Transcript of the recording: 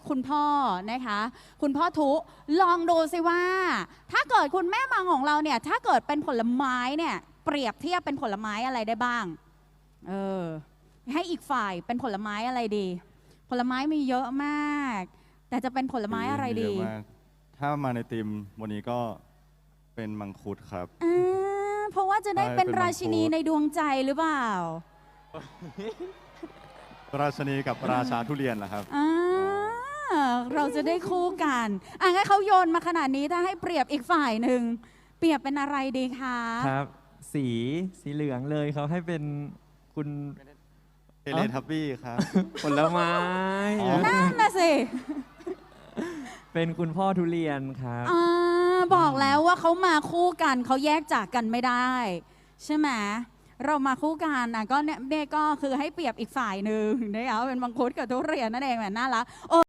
คุณพ่อนะคะคุณพ่อทุลองดูสิว่าถ้าเกิดคุณแม่มังของเราเนี่ยถ้าเกิดเป็นผลไม้เนี่ยเปรียบเทียบเป็นผลไม้อะไรได้บ้างเออให้อีกฝ่ายเป็นผลไม้อะไรดี ผลไม้มีเยอะมาก แต่จะเป็นผลไม้อะไรดีถ้ามาในทีมวันนี้ก็เป็นมังคุดครับเพราะว่าจะได้เป็นราชินีในดวงใจหรือเปล่าราชินีกับราชาทุเรียนเหรอครับเราจะได้คู่กันงั้นเขาโยนมาขนาดนี้ถ้าให้เปรียบอีกฝ่ายหนึ่งเปรียบเป็นอะไรดีคะครับสีเหลืองเลยเขาให้เป็นคุณเทเลทับบี้ครับผลไม้นั่นน่ะสิเป็นคุณพ่อทุเรียนครับบอกแล้วว่าเขามาคู่กันเขาแยกจากกันไม่ได้ใช่ไหมเรามาคู่กันก็เนี่ยก็คือให้เปรียบอีกฝ่ายหนึ่งนะคะเป็นมังคุดกับทุเรียนนั่นเองแหมน่ารัก